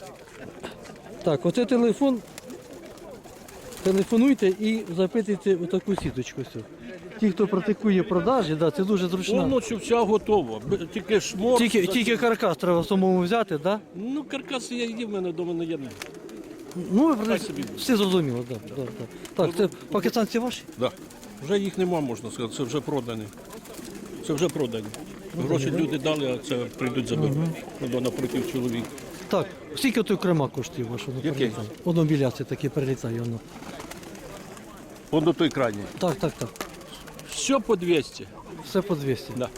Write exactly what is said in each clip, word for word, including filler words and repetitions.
Так, оце телефон. Телефонуйте і запитуйте отаку сіточку. Цю. Ті, хто практикує продажі, да, це дуже зручно. Воно що вся готова. Б- Тільки шмор. Тільки, тільки каркас треба самому взяти, да? Ну, каркас я є, в мене вдома не є. Ну, Хай собі. все зрозуміло, да, да, да. Так, це пакистанці ваші? Да. Вже їх нема, можна сказати, це вже продані. Це вже продані. Гроші люди дали, а це прийдуть заберуть. Воно напротив чоловік. Так, скільки той крема коштує вашого? Який? Воно біля це таке прилітає. Воно. Он до той крайній. Так, так, так. Все по двісті. Все по двісті. Да.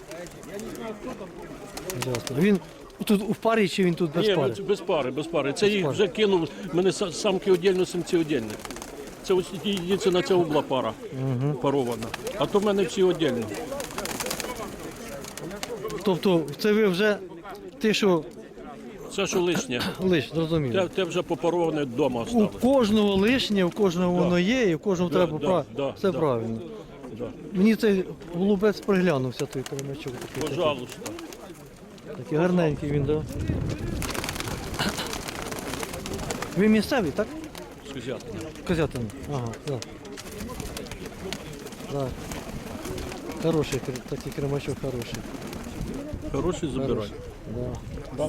Ясно. Він тут у парі чи він тут без Ні, пари? це без пари, без пари. Це їх пари. вже кинув. Мене са- самки віддільно, самці віддільно. Це ось єдине на цього була пара парована. А то в мене всі віддільно. Тобто це ви вже те, що Це що лишнє. лиш, зрозуміло. Те, те вже попароване вдома У осталось. кожного лишнє, у кожного воно є, і у кожного Да, треба да, прав... да, Все да. правильно. Да. Мені цей голубець приглянувся, той кремачок. Такий, Пожалуйста. такий гарненький він, да. Ви місцеві, так? Сказати. Козятин. Ага, так. Так. Хороший, кр- такий кремачок хороший. Хороший забирай. Хороший. Да.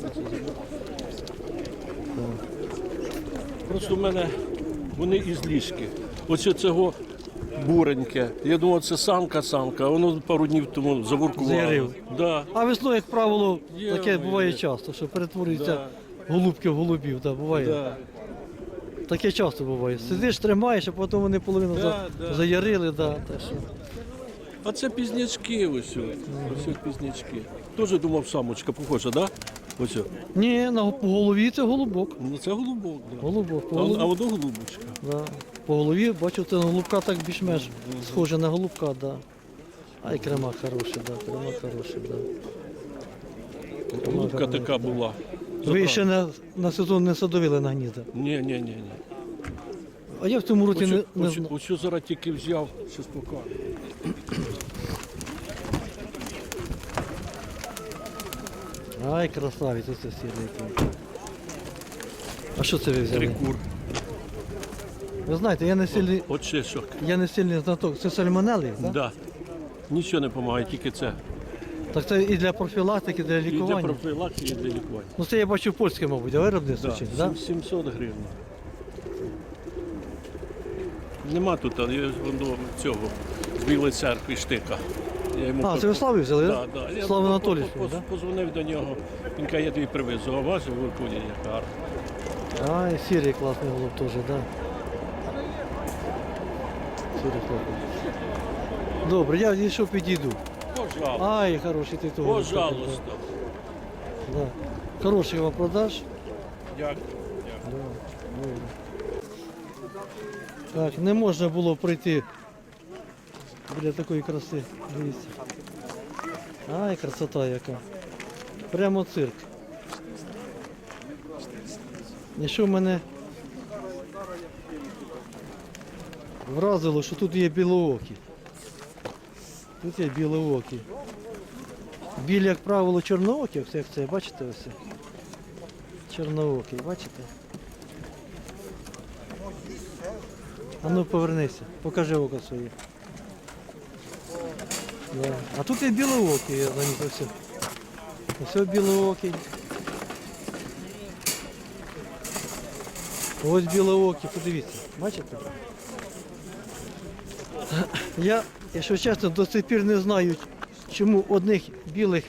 Просто в мене вони із ліжки. Оце цього буреньке. Я думав, це самка-самка, а воно пару днів тому завуркувало. Заярив. Да. А весною, як правило, Є, таке є. буває часто, що перетворюються Да. голубки в голубів. Да, буває. Да. Таке часто буває. Сидиш, тримаєш, а потім вони половину Да, за... да. заярили. Да, та що. А це пізнячки ось. Ось ось пізнячки. Теж думав, самочка похожа, так? Да? Ось. Ні, на по голові це голубок. Ну це голубок, да. Голубок. По А, голові, а воно голубочка. да. По голові, бачу, це голубка так більш-менш схоже на голубка, да. А й крема хороший, да, крема хороший, да. Голубка така була. Ви ще на, на сезон не садовили на гнізда. Ні, ні, ні, ні. А я в цьому році не, не Ось, знаю. ось, ось зараз тільки взяв, щось покажу. Ай, красавець, оце сірий. А що це ви взяли? Трикур. Ви знаєте, я не сильний, От ще що. я не сильний знаток. Це сальмонели, так? Да. Нічого не допомагає, тільки це. Так це і для профілактики, для І для лікування. профілактики, і для лікування. Ну це я бачу польське, мабуть, а виробництво Да. чи, да? сім- сімсот гривень. Нема тут, але є воно цього з Білої церкви штика. Я йому А, по- це ви Славі взяли, Да, так? да. Я Слава по- по- Анатолійович, по- так? Позвонив до нього, він каже, я тобі привезу, а вас в Іркуті як гарно. Ай, сірий класний голуб теж, так. Да. Сірий класний. Добре, я йшов підійду. Пожалуйста. Ай, хороший ти того. Пожалуйста. Да. Хороший вам продаж. Дякую. Так, не можна було пройти біля такої краси. Дивіться. Ай, красота яка. Прямо цирк. І що мене вразило, що тут є білоокі. Тут є білоокі. Білі, як правило, чорноокі, ось як це, бачите ось? Чорноокі, бачите? А ну повернися, покажи око своє. Да. А тут є білоокі, я замітив все. Ось білоокі. Ось білоокі, подивіться, бачите? Я, якщо чесно, до сих пір не знаю, чому одних білих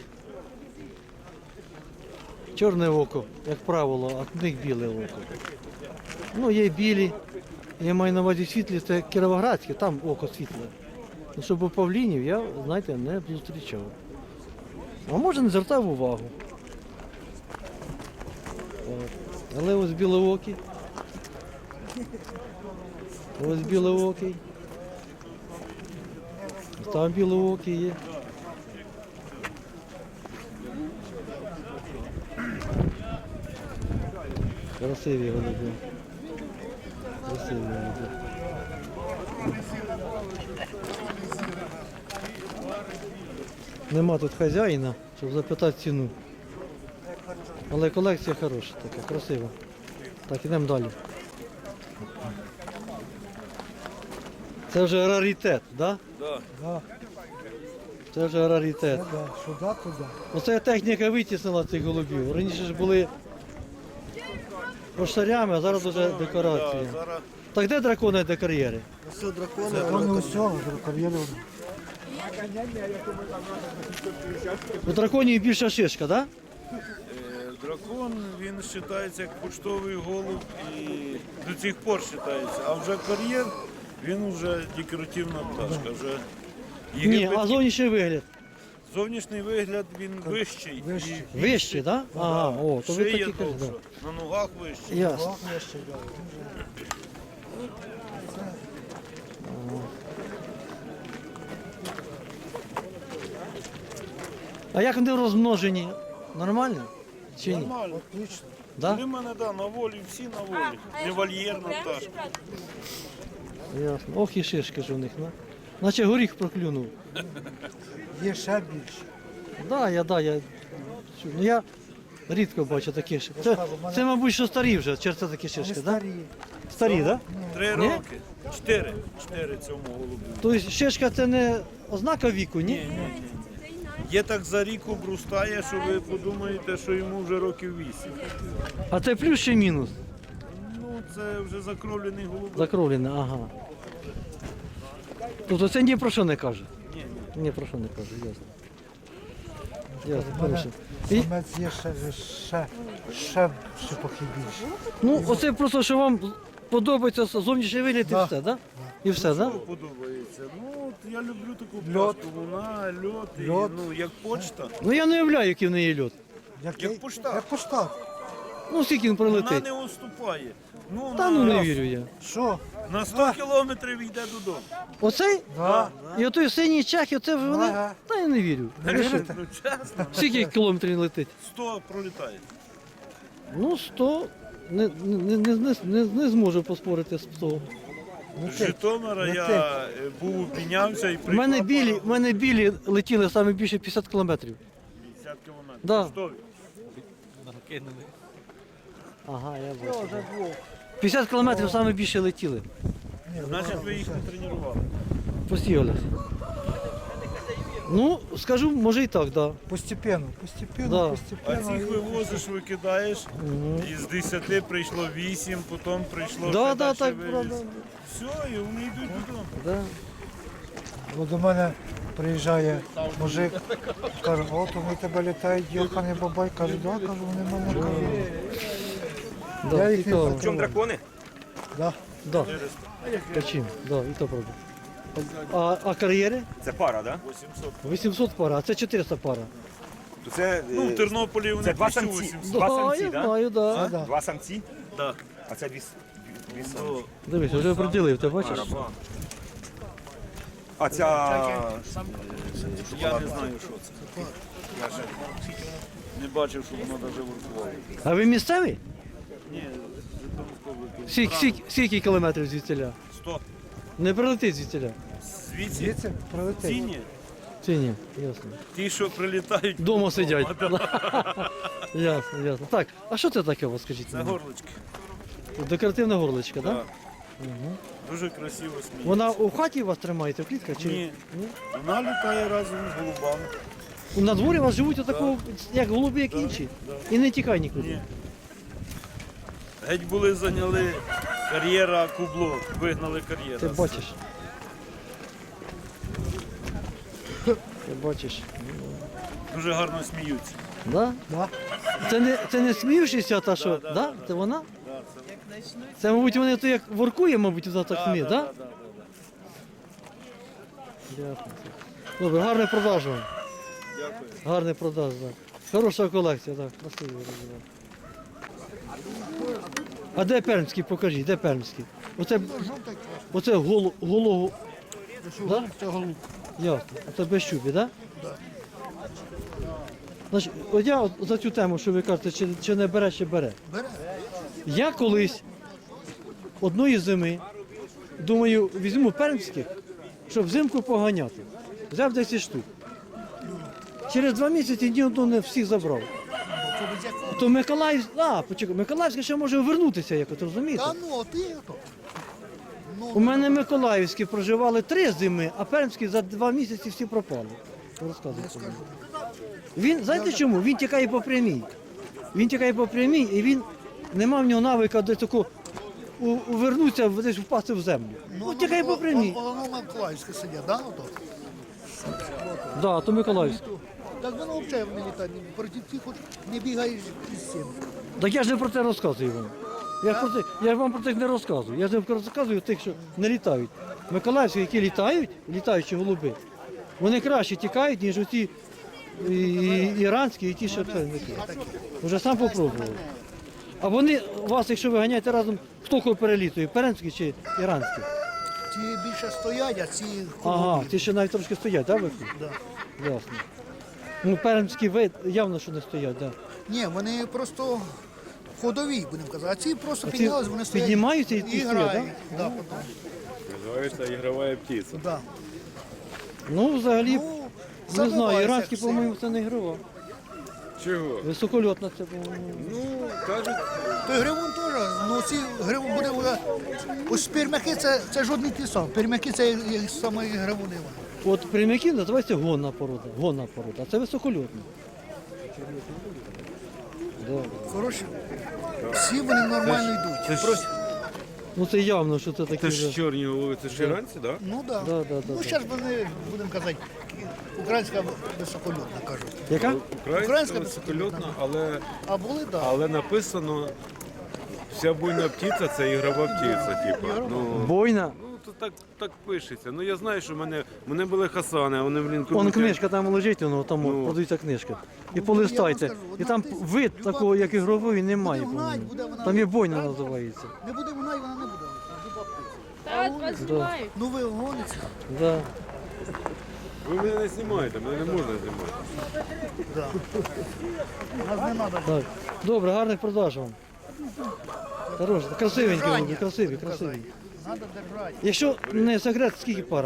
чорне око, як правило, а одних біле око. Ну, є білі, я маю на увазі світлі, це кіровоградське, там око світле. Ну, щоб у павлінів я, знаєте, не зустрічав. А може не звертав увагу. От. Але ось білоокий. Ось білоокий. Там білоокий є. Красиві голуби. Красиві голуби. Нема тут хазяїна, щоб запитати ціну. Але колекція хороша така, красива. Так, ідемо далі. Це вже раритет, да? Да. Да, Це вже раритет. це да, сюди, туди. Оце техніка витіснила цих голубів. Раніше ж були поштарями, а зараз вже декорації. Да, зараз Так де дракони, де кар'єри? Вони усього, кар'єри. У драконів більша шишка, так? Е, Дракон, він вважається як почтовий голуб і до цих пор вважається. А вже кар'єр, він вже декоративна пташка. Вже Ні, Єгипет- а зовнішній вигляд. Зовнішній вигляд він вищий. Вищий. І Вищий, так? Ага, о, то ви шия такі кажете. довша, на ногах вищий. Ясно. Ох, я ще, да. А як вони розмножені? Нормально? Чи ні? Нормально. Отлично. Да? Для мене да, на волі, всі на волі. Не вольєрна пташка. Ясно. Ох і шишки ж у них, ну. Наче горіх проклюнув. Є ще більше. Да, я, да, я. чу- Ну я рідко бачу такі шишки. Це, це, мабуть, що старі вже, чи це такі шишки, Вони так? Да? старі. Старі, так? Три Ні? роки. Чотири. Чотири цьому голубу. Тобто шишка це не ознака віку, ні? Є так за рік обростає, що ви подумаєте, що йому вже років вісім. А це плюс чи мінус? Ну, це вже закровлений голубок. Закровлене, ага. Тобто це ні про що не каже? Ні, Ні про що не каже, ясно. Ясно, У мене хорошо. І, самець є ще, ще, ще шипохи більше. ну, оце просто, що вам подобається зовнішній вигляд і Да. все, так? І все, так? Що подобається? Ну, от я люблю таку Льот. пташку. Вона, льот, і, Льот. ну, як почта. Ну я не уявляю, який в неї льот. Як, Як поштар. Як поштар. Ну, скільки він Вона прилетить. не уступає. Ну, Та на, ну не вірю я. Що? на сто кілометрів йде додому. Оцей? Да. І отой синій чех, і оце вже вони. Ага. Та я не вірю. Вірите? Ну, чесно, Скільки кілометрів він летить? сто пролітає. Ну, сто. Не, не, не, не, не, не зможу поспорити з сто. З Житомира Летить. я е, був, піднявся і У приїхав. мене білі, у мене білі летіли саме більше п'ятдесят кілометрів. п'ятдесят кілометрів. Да. Поштові. Ага, я бачу. п'ятдесят кілометрів саме більше летіли. Значить, ви їх не тренували. Посіялись. Ну, скажу, може і так, так. Да. Постепенно, постепенно, Да. А постепенно. цих вивозиш, викидаєш, із десяти прийшло вісім, потім прийшло Да, ще да, далі так, вивіз. правда. Все, і вони йдуть додому. Да. Бо до мене приїжджає мужик, каже, от вони тебе літають, йоханий бабай, каже, да, кажу, вони мене кажуть. Да, Я їх не цікаво. В чому дракони? Да. Да. Почим, да, і то правда. А, а кар'єри? Це пара, так? вісімсот. вісімсот пара, а це чотириста пара. То це, Ну, в е, Тернополі вони це два тисячу самці. вісімсот. Два Да, самці, я да? знаю, да. Да. два самці, Да. а це дві, с- дві самці. То Дивись, вже приділив, ти бачиш? А ця я не знаю, що це. Я ще не бачив, що воно навіть воркувало. А ви місцевий? Ні, Житомирської області. Скільки, скільки, скільки кілометрів звідсіля? сто. Не прилетить звідсіля? Звідси Звідси прилетить. ціні, Чи ні? Ясно. ті, що прилітають. Дома вдома, сидять. да. Ясно, ясно. Так, а що це таке у вас, скажіть? Це мені? горлички. Декоративна горличка, так? Да. Дуже красиво сміється. Вона у хаті вас тримаєте, в клітках? Чи? Ні. Вона літає разом з голубами. На дворі у вас живуть отако, як голуби, як інші. І не тікай нікуди. Ні. Геть були зайняли кар'єра кубло, вигнали кар'єра. Ти бачиш. Ти бачиш. Дуже гарно сміються. Да? Да. Це не, це не сміючися, та що? да, Да? Це вона? Да, це... Це, мабуть, вони то як воркує, мабуть, вона так сміє, да, так? да, да, да. Ясно. Добре, гарний продаж вам. Дякую. Гарний продаж, так. Хороша колекція, так. Красивий розумію. А де пермський? Покажіть, де пермський? Оце, оце голо, голого. Да? Це голуб. Ясно. А це без щупі, так? Да? Значить, от я от за цю тему, що ви кажете, чи, чи не бере, чи бере. Бере. Я колись одної зими, думаю, візьму пермських, щоб взимку поганяти. Взяв десять штук. Через два місяці ні одного не всіх забрав. Це з якого? То Миколаївськ, а, почекай, Миколаївське ще може вернутися якось, розумієте? Та ну, ти то. Ну, У мене Миколаївські проживали три зими, а Пермські за два місяці всі пропали. Розказуйте. скажу. Він, знаєте чому? Він тікає по прямій. Він тікає по прямій і він, нема в нього навика до такого у- увернутися, десь впасти в землю. Ну, тікає по прямій. Воно Миколаївське сидять, да, ото? Да, то Миколаївське. Так воно взагалі не літає, проти тих хоч не бігаєш із цим. Так я ж не про це розказую вам. Я, ж про це, я ж вам про це не розказую. Я ж не розказую тих, що не літають. Миколаївські, які літають, літаючі голуби, вони краще тікають, ніж оті і, і, іранські, і ті, що це не ті. Вже сам попробував. А вони, вас, якщо ви ганяєте разом, хто кого перелітує, пермські чи іранські? Ці більше стоять, а ці Ага, холодні. ті ще навіть трошки стоять, так, виходить? Да. Ясно. Ну, пермські ви явно, що не стоять, так. Ні, вони просто ходові, будемо казати. А ці просто А ці піднялись, вони стоять. піднімаються і ті стоять, грають. Да, потім. Називається ігрова птиця. Да. Ну, взагалі, Ну, не знаю, забивається іранські, все. по-моєму, це не ігрова. Чого? Високольотна це, по-моєму. Ну, кажуть, То гривун теж, ну ці гривун буде, буде- ось пермяки це, це жодний ті сам. Пермяки це є саме гривуни. От прямяки називається гонна порода. Гонна порода, а це високольотна. Да. Хороші. Всі вони нормально йдуть. це ж- Просто, Ну це явно, що це такі це ж вже. чорні голови, це ж іранці, так? ну да. Да, да, да, ну да. зараз вони, будемо казати, українська високольотна кажуть. Яка? Українська Українська високольотна, але, А були, так. але написано, вся буйна птиця це ігрова птиця, типу. Ну, Бойна. ну то так, так пишеться. Ну я знаю, що в мене, в мене були хасани, а вони, блін, Вон крутять. книжка там лежить, воно там Ну. продаються книжка. І Ну, полистайте. я вам скажу, І там одна вид тисяча, такого, як люба ігрової, немає. Буде гнать, по-моєму. буде вона Там і бойна гнать. називається. Не буде вона і вона не буде. Люба птиця. Так, вас знімають. Ну ви гоните. Да. Ви мене не знімаєте, мене не можна знімати. Да. Нас не треба. Так. Добре, гарних продаж вам. Хорош, красивенькі голуби, красиві, красиві. Треба держати. Якщо не секрет, скільки пара?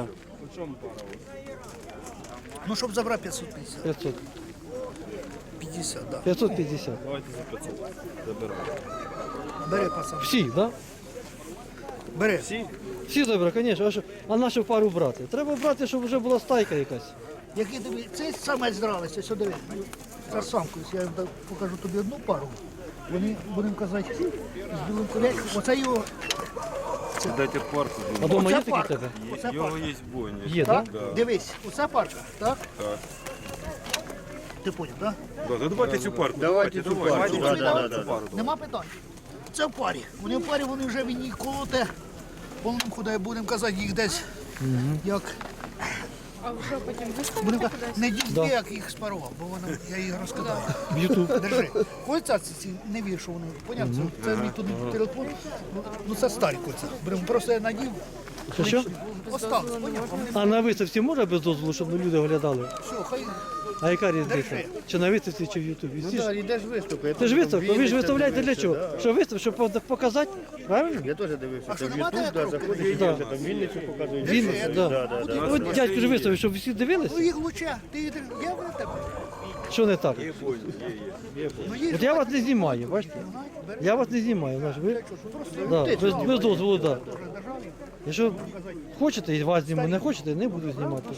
Ну, щоб забрати п'ятсот п'ятдесят. п'ятсот. п'ятдесят, да. п'ятсот п'ятдесят. Давайте за п'ятсот забираємо. Бери, пацан. Всі, так? Да? Бери. Всі добре, звісно. А, що- а нашу пару брати? Треба брати, щоб вже була стайка якась. Який тобі. Це самець дралися, сюди. Це самку. Я так покажу тобі одну пару. Вони, будемо казати, з білим колечком. Оце його. Дайте парку. А дома Оце є такі в парка. тебе? Оце Його парка. є бойня. Є, Так? так? Дивись, оце парка, так? Так. Ти поняв, так? Да, ну давайте цю парку. Давайте цю парку. Да, да, да, да. Нема питань. Це в парі. Вони в парі, вони вже він їх колоте. Повним куди будемо казати, їх десь як. А ви що потім Будемо виставите казати, кудись? не дійде, як їх спарував, бо воно, я їх розкидаю. В Ютуб. Держи. Кольця ці, ці не вір, що вони. Понятно, це, це мій тут телефон. Ну, ну це старі кольця. Беремо, просто я надів. Що, що? Осталось, понятно. Вони- А на виставці можна без дозволу, щоб люди оглядали? Все, хай. А яка різниця? Чи на виставці, чи в Ютубі? Всі ж- Йдеш виступи. Це ж виставка, ви ж виставляєте для чого? Що виставка, щоб пок- показати? Правильно? Я теж дивився, А що, там в нема Ютуб, да, тебе заходиш, і Да. дивишся, там Вінницю показують. Він, да. Да, да, да. От дядько ж виставив, щоб всі Ну дивилися. їх лучше. Ти їх держ- я в тебе. Що не так? Ну їх От я вас не знімаю, бачите? Я вас не знімаю, знаєш, ви да, без, без дозволу, да. Якщо хочете, і вас зніму, не хочете, не буду знімати.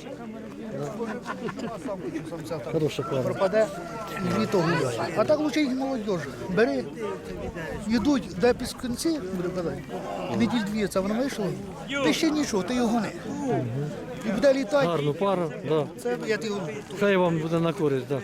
самця так Хороша пара. пропаде і літо гуляє. А так лучше їх молодіж. Бери, йдуть, де під кінці, буду казати, неділь дві це воно вийшло, ти ще нічого, ти його гони. І буде літати, Гарну пару, да. це я ти його. Хай вам буде на користь, да.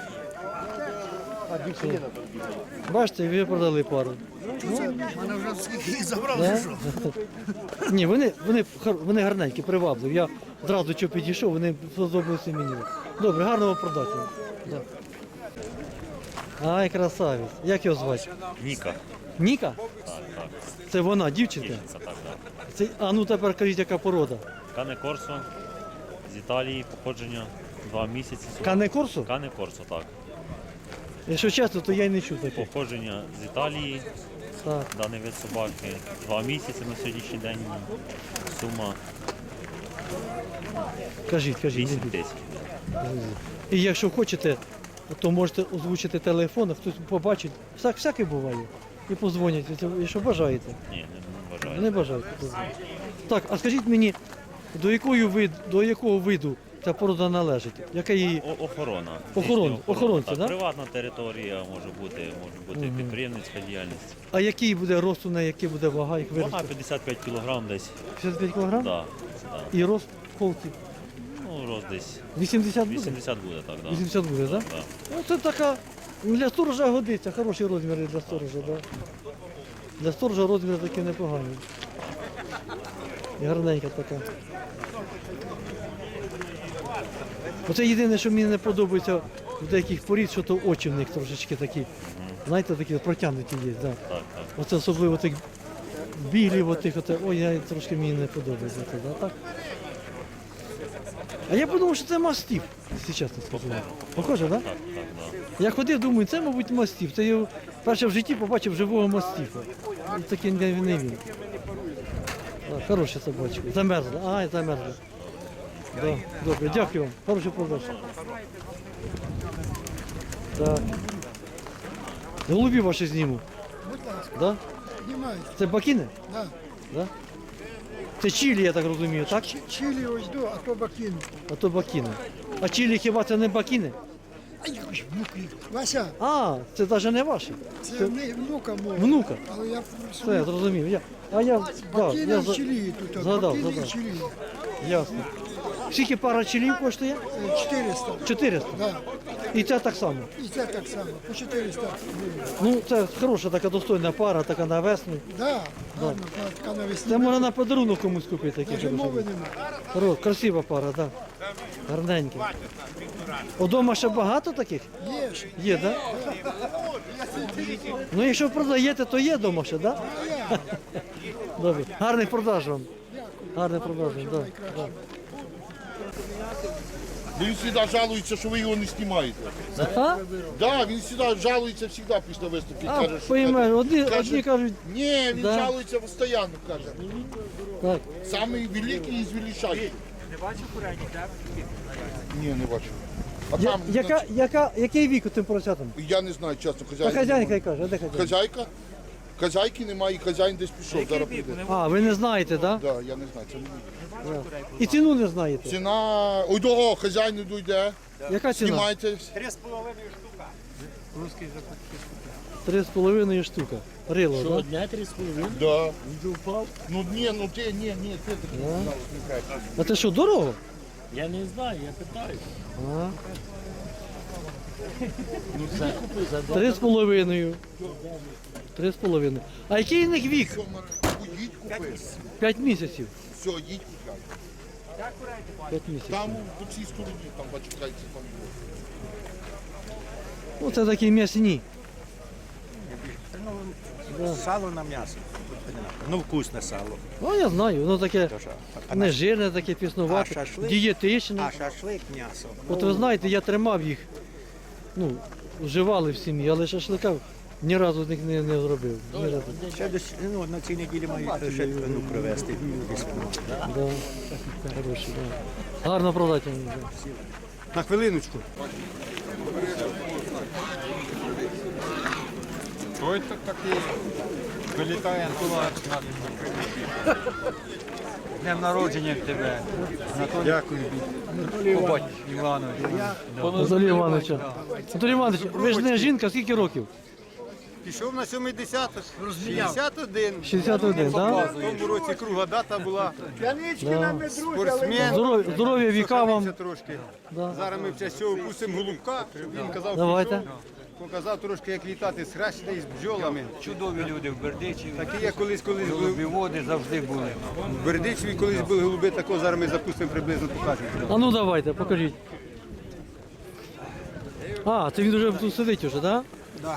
Бачите, ви продали пару. Це, мене вже скільки їх забрали, Да? що? Ні, вони, вони, хар- вони гарненькі, привабливі. Я одразу що підійшов, вони сподобалися мені. Добре, гарного продати. Да. Ай, красавець. Як його звати? Ніка. Ніка? Це вона, дівчинка? Це так, так. Це, а ну тепер кажіть, яка порода. Кане Корсо з Італії, походження два місяці. Кане Корсо? Кане Корсо, так. Якщо чесно, то я й не чув таких. Походження з Італії, Так. даний вид собаки. Два місяці на сьогоднішній день. Сума Кажіть, кажіть. вісім тисяч. І якщо хочете, то можете озвучити телефон, а хтось побачить. Всяк, всяке буває. І позвонять, якщо бажаєте. Ні, не, не вважаю. Не бажаєте. позвонять. Так, а скажіть мені, до якої вид, до якого виду ця порода належить? Яка її? О- охорона. Охорон- Здійснює охоронці, так? да? Приватна територія може бути, може бути підприємницька діяльність. А який буде рост у неї, який буде вага їх Вона виросте? п'ятдесят п'ять кілограм десь. п'ятдесят п'ять кілограм? Да, да. І рост холки? Ну, рост десь вісімдесят буде? вісімдесят буде так, да. вісімдесят буде, так? Да? Да. Ну, це така, для сторожа годиться, хороші розміри для сторожа, да. Для сторожа розміри такі непогані. І гарненька така. Оце єдине, що мені не подобається в деяких порід, що то очі в них трошечки такі. Знаєте, такі протягнуті є. Да. Так, так. Оце особливо тих білів, отих, оте, ой, я трошки мені не подобається. Це, да, так? А я подумав, що це мастиф, якщо чесно скажу. Похоже, так? Да? Так, так, да. Я ходив, думаю, це, мабуть, мастиф. Це я вперше в житті побачив живого мастифа. І такий не, не він. Так, хороші собачки. Замерзли. Ай, замерзли. Да, добре, дякую вам. Хороший продаж. Так. Голубі ваші зніму. Будь ласка, Да? знімайте. Це бакіни? Да. Да? Це чилі, я так розумію, так? Чи- Чилі ось до, а то бакін. А то бакіни. А чилі хіба це не бакіни? Ай, ой, внуки. Вася, А, це навіть не ваші. це не внука мова. Внука. Але я Все, я зрозумів. Я, а я, да, бакіни я в за- чилі тут. згадав, Бакіни згадав. і чилі. Ясно. Скільки пара чилів коштує? Е, чотириста. чотириста. Да. І ця так само. І це так само, по чотириста гривень. Ну, це хороша така достойна пара, така на весну. Да, гарно, така навесні. Це можна на подарунок комусь купити. Такі Навіть мови хороші. немає. Хоро- Красива пара, так. Да. Гарненькі. Удома ще багато таких? Є ж. Є, так? Да? Ну, якщо продаєте, то є вдома ще, так? Да? Добре. Гарних продаж вам. Гарних продаж вам, так. Да. Він завжди жалується, що ви його не знімаєте. А? Да, він завжди жалується завжди після виступів. А, Каже, що поймеш, одні, каже, одні кажуть, ні, він Да. жалується постійно, каже. так. Самий великий із величайших. Не бачив курені, так? Ні, не бачу. А Я, там, яка, яка, який вік у тим поросятам? я не знаю, чесно, Та хазяїн. хазяйка й каже, а де хазяйка? Хазяйка? Хазяйки немає, і хазяїн десь пішов, зараз прийде. А, ви не знаєте, так? Да, я не знаю, це не буде. Да? І ціну не знаєте? Ціна, ой, до, хазяїн іду йде, Яка ціна? знімайте. Три з половиною штука. Рило, так? Дня три з половиною? Да. Ну ні, ну ти, ні, ні, ти так. А це що, дорого? Я не знаю, я питаю. А, За, за два три з половиною. Три з половиною. А який в них вік? Їдь купи. П'ять місяців. Все, їдь купляй. П'ять місяців. Там по цій стороні, там бачу, кайці там є. Ну, це такі м'ясні. Сало на м'ясо. Ну, вкусне сало. Ну, я знаю, воно таке А не на- жирне, таке а піснувате, шашлик? дієтичне. А шашлик м'ясо. От ви знаєте, я тримав їх, ну, вживали в сім'ї, але шашлика ні разу з них не, не зробив. Ні разу. Ще десь, ну, на цій неділі маю ще ну, привезти. Да. Хороший, да. Гарно продати. мені, да. На хвилиночку. Ой, так такий вилітає Днем народження тебе. Дякую. Побать Іванович. Анатолій Івановича. Анатолій Іванович, ви ж не жінка, скільки років? Пішов на сьомдесят, шістдесят один. шістдесят один, так? В тому році кругла дата була. Да? Спортсмен. Здоров'я, здоров'я віка вам. Сохранився трошки. Да. Зараз ми в честь цього пустимо голубка. Він казав, Давайте. пішов, показав трошки, як літати з хрещення і з бджолами. Чудові люди в Бердичеві. Такі, як колись колись були. Води завжди були. В Бердичеві колись були голуби, такого зараз ми запустимо приблизно, покажемо. А ну давайте, покажіть. А, це він вже тут сидить уже, так? Да.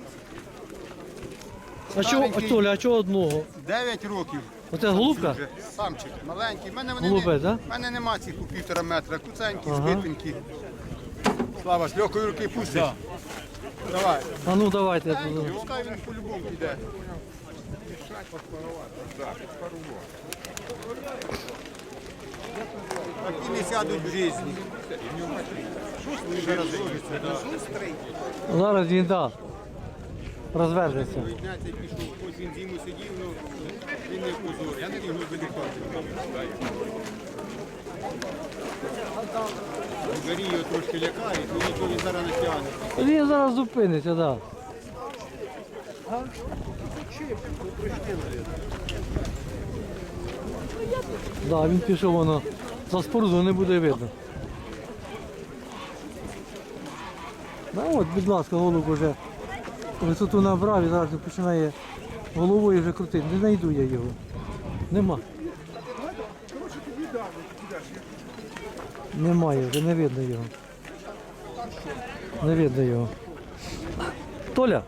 А чого, а Толя, а чого одного? Дев'ять років. Оце голубка? Вже самчик, маленький. В мене, вони Голубе, не, да? в мене нема цих у півтора метра. Куценькі, Ага. збитенькі. Слава, з легкої руки пустиш. Давай. А ну давайте. я Пускай тут- він по-любому піде. Такі не сядуть в житті. Зараз він, да, розвернеться. Вийдеться і пішов, ось він зиму сидів, ну він не позор. Я не його вилікати. Горі його трошки лякають, ну нічого він зараз не тягне. Він зараз зупиниться, так. Да. Да, він пішов, воно за споруду не буде видно. Да, от, будь ласка, голуб уже висоту набрав і зараз починає головою вже крутити. Не знайду я його. Нема. Немає вже, не видно його. Не видно його. Толя,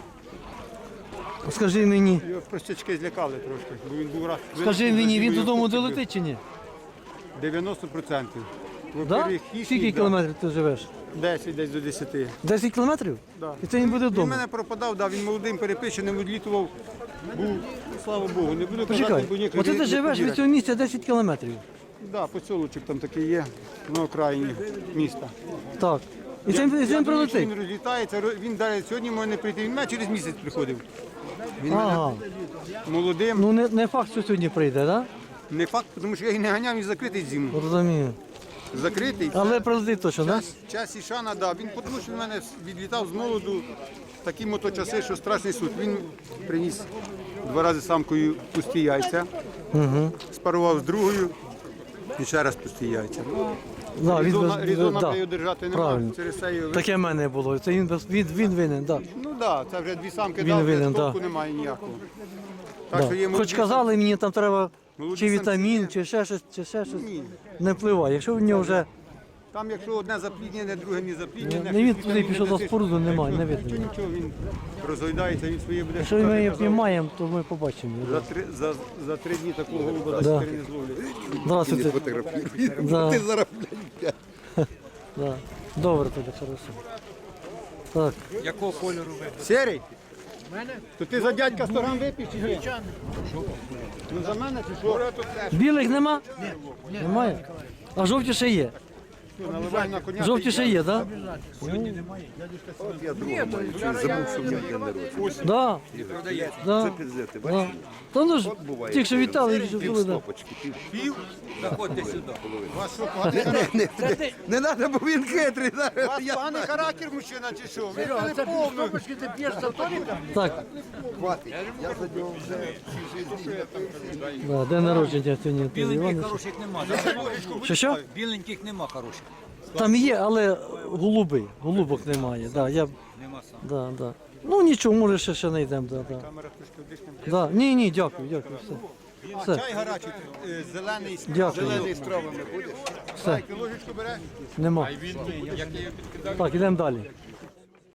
скажи мені, Його простячки злякали трошки, бо він був раз. скажи мені, він додому долетить чи ні? дев'яносто відсотків. Да? Во-первых, хищник, Скільки да. кілометрів ти живеш? десять десь до десяти. десять кілометрів? Да. І це він буде Він вдома? мене пропадав, да, він молодим перепищеним відлітував. Був, слава Богу, не буду Почекай, казати, бо ніхто оце не- ти не живеш повірить. від цього місця десять кілометрів. Да, поселочок там такий є, на окраїні міста. Так. І це, він- і це Я він думаю, що прилетить? Він розлітається, ро- він далі сьогодні може не прийти, він мене через місяць приходив. Він Ага. мене молодим, Ну не, не факт, що сьогодні прийде, так? не факт, тому що я їх не ганяв, він закритий зиму. Да? Розумію. Закритий. Але прилетить точно, так? Час, час і шана, да. Він тому що в мене відлітав з молоду такі моточаси, що страшний суд. Він приніс два рази самкою пусті яйця, Угу. спарував з другою і ще раз пусті яйця. Да, він Різона, без- різона да. його держати Правильно. немає. Через це його... Таке в мене було. Це він, без- він, він винен, так. Ну так, да, це вже дві самки Він дав, винен, без толку да. немає ніякого. Так Да. що є Хоч молоді казали, мені там треба Молоді чи вітамін, самці чи ще щось, чи ще щось. Ні. Не впливає. Якщо в нього вже Там, якщо одне запліднене, друге не запліднене, Не він щось туди вітаміни пішов за досиш, споруду, немає, не видно. Нічого, нічого, він розгойдається, він своє буде. якщо шукати, ми її казав. піймаємо, то ми побачимо. За три, за, за три дні такого голуба Да. да. не зловлять. Здравствуйте. Да. Да. Добре тоді, хорошо. Так, Якого кольору ви? Серий? То ти за дядька сто грам вип'єш чи ні? Ну за мене чи що? білих нема? Ні. Немає? А жовті ще є. Що, наливай на коня. Жовті ще є, так? Да? Да. Да. Та ну ж, тільки що вітали, і що були, да. У вас що, поганий характер? Не треба, бо він хитрий. У вас поганий характер, мужчина, чи що? Ви не повну. Так. Да, день народження сьогодні. Анатолія Івановича. Хороших нема. Що, що? Біленьких нема хороших. Там є, але голуби, голубок немає. Да, я... Нема сам. да, да. Ну нічого, може ще, ще знайдемо. Да, да. Камера трошки вдихне. Да. Ні, ні, дякую, дякую. Все. Все. Чай гарячий, е, зелений, з- Дякую. зелений з травами будеш? Все. Ложечку береш? Нема. Так, ідемо далі.